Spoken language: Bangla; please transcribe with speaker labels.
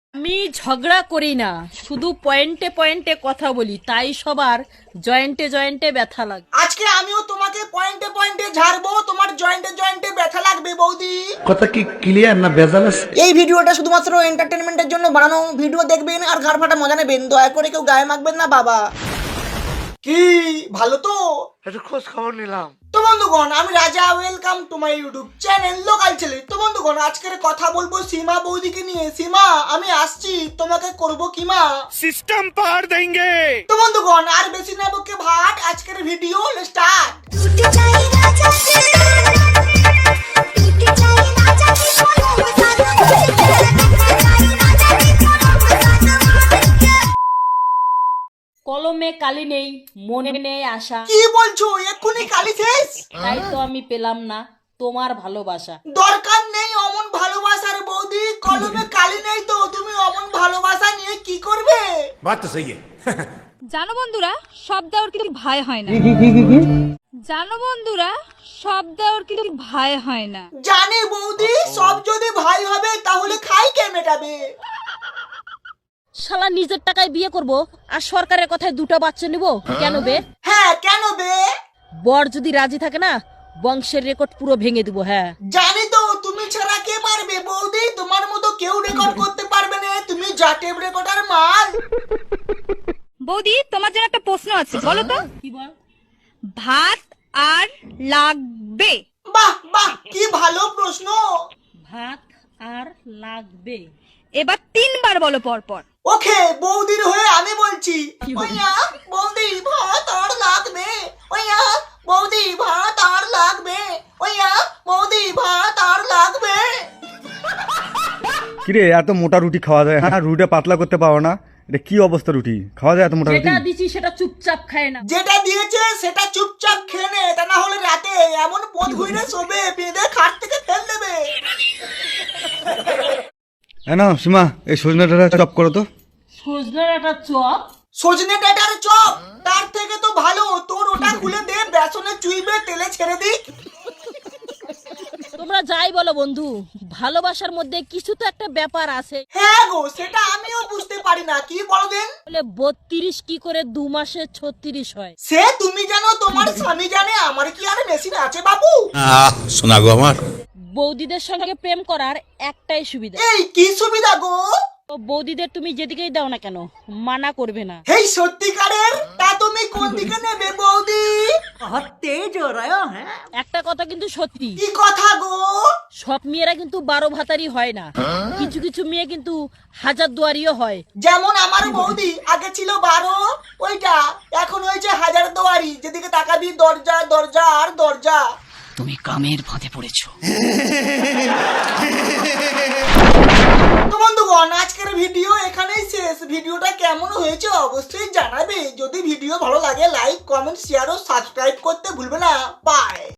Speaker 1: আমি ঝগড়া করি না, শুধু পয়েন্টে পয়েন্টে কথা বলি, তাই সবার জয়েন্টে জয়েন্টে ব্যথা লাগে।
Speaker 2: আজকে আমিও তোমাকে পয়েন্টে পয়েন্টে ঝাড়বো, তোমার জয়েন্টে জয়েন্টে ব্যথা লাগবে বৌদি।
Speaker 3: কথা কি ক্লিয়ার না ভেজাল আছে?
Speaker 2: এই ভিডিওটা শুধুমাত্র এন্টারটেনমেন্টের জন্য বানানো ভিডিও, দেখবেন আর ঘাড় ফাটা মজা নেবেন, দয়া করে কেউ গায়ে মাখবেন না বাবা। কি ভালো তো?
Speaker 3: একটু খোঁজ খবর নিলাম।
Speaker 2: তো বন্ধুগণ, আমি Raja, welcome to my YouTube channel local ছেলে। তো বন্ধুগণ, আজকের কথা বলবো সীমা বৌদিকে নিয়ে। সীমা, আমি আসছি, তোমাকে করবো কিমা,
Speaker 4: सिस्टम पार देंगे।
Speaker 2: তো বন্ধুগণ আর বেশি না বকে ভাট, আজকের ভিডিও স্টার্ট।
Speaker 1: কলমে কালি নেই, মনে নেই আশা,
Speaker 2: কি বলছো? এক্ষুনি কালি শেষ?
Speaker 1: তাই তো আমি পেলাম না তোমার ভালোবাসা।
Speaker 2: দরকার নেই অমন ভালোবাসার বৌদি, কলমে কালি নেই তো তুমি অমন ভালোবাসা নিয়ে কি করবে?
Speaker 4: बात तो सही है।
Speaker 5: জানো বন্ধুরা, সব দেওয়ার কিন্তু ভাই হয় না। জানো বন্ধুরা, সব দেওয়ার কিন্তু ভাই হয় না।
Speaker 2: জানি বৌদি, সব যদি ভাই হবে তাহলে খাই কে মেটাবে?
Speaker 1: শালা নিজের টাকায় বিয়ে করব আর সরকারের কথায় দুটো বাচ্চা নিব, কেন বে?
Speaker 2: হ্যাঁ, কেন বে?
Speaker 1: বর যদি রাজি থাকে না, বংশের রেকর্ড পুরো ভেঙে দিব। হ্যাঁ,
Speaker 2: জানি তো, তুমি ছাড়া কে পারবে বৌদি? তোমার মতো কেউ রেকর্ড করতে পারবে না, তুমি যা টেপ রেকর্ডার মাল।
Speaker 5: বৌদি, তোমার জন্য একটা প্রশ্ন আছে, বলো তো।
Speaker 1: কি বল?
Speaker 5: ভাত আর লাগবে।
Speaker 2: বাহ বাহ, কি ভালো প্রশ্ন।
Speaker 1: ভাত আর লাগবে।
Speaker 5: এবার 3 বার বলো পর পর।
Speaker 2: ওকে, বৌদির হয়ে আমি বলছি। ওইয়া বৌদি, ভাত আর লাগবে। ওইয়া বৌদি, ভাত আর লাগবে। ওইয়া বৌদি, ভাত আর লাগবে।
Speaker 6: কিরে, এত মোটা রুটি খাওয়া যায়? হ্যাঁ, রুটিটা পাতলা করতে পারো না? এটা কি অবস্থা? রুটি খাওয়া যায় এত মোটা রুটি?
Speaker 1: যেটা দিছি সেটা চুপচাপ খায় না।
Speaker 2: যেটা দিয়েছে সেটা চুপচাপ খেয়ে নে, তা না হলে রাতে এমন পথ ঘুরে শোবে, বেঁধে খাট থেকে ফেল দেবে।
Speaker 6: না সীমা, এই সজনে ডাঁটা চপ করো তো।
Speaker 1: সজনের একটা চপ?
Speaker 2: সজনে ডাঁটার চপ? তার থেকে তো ভালো তোর ওটা খুলে দে, বেসনে চুইবে, তেলে ছেড়ে দিক।
Speaker 1: তোমরা যাই বলো বন্ধু, ভালোবাসার মধ্যে কিছু তো একটা ব্যাপার আছে।
Speaker 2: হ্যাঁ গো, সেটা আমিও বুঝতে পারি না, কি বলো দেন?
Speaker 1: বলে 32 কি করে 2 মাসে 36 হয়?
Speaker 2: সে তুমি জানো, তোমার স্বামী জানে, আমার কি আর মেশিন আছে বাবু?
Speaker 4: सुना गो हमार।
Speaker 1: বৌদিদের সঙ্গে প্রেম করার একটাই সুবিধা,
Speaker 2: এই কি সুবিধা গো?
Speaker 1: তো বৌদিদের তুমি যেদিকেই দাও না কেন, মানা করবে না।
Speaker 2: এই সত্যিকারের? তা তুমি কোন দিকে নেবে বৌদি?
Speaker 1: একটা কথা কিন্তু সত্যি,
Speaker 2: কি কথা গো?
Speaker 1: সব মেয়েরা কিন্তু 12 ভাতারি হয় না, কিছু কিছু মেয়ে কিন্তু 1000 দুয়ারিও হয়।
Speaker 2: যেমন আমার বৌদি, আগে ছিল 12 ওইটা, এখন হয়েছে 1000 দুয়ারি, যেদিকে তাকাবি দরজা দরজা আর দরজা।
Speaker 7: তুমি কামের ফাঁদে পড়েছো।
Speaker 2: তো বন্ধুগণ, আজকের ভিডিও এখানেই শেষ। ভিডিওটা কেমন হয়েছে অবশ্যই জানাবে। যদি ভিডিও ভালো লাগে লাইক, কমেন্ট, শেয়ার ও সাবস্ক্রাইব করতে ভুলবে না। বাই।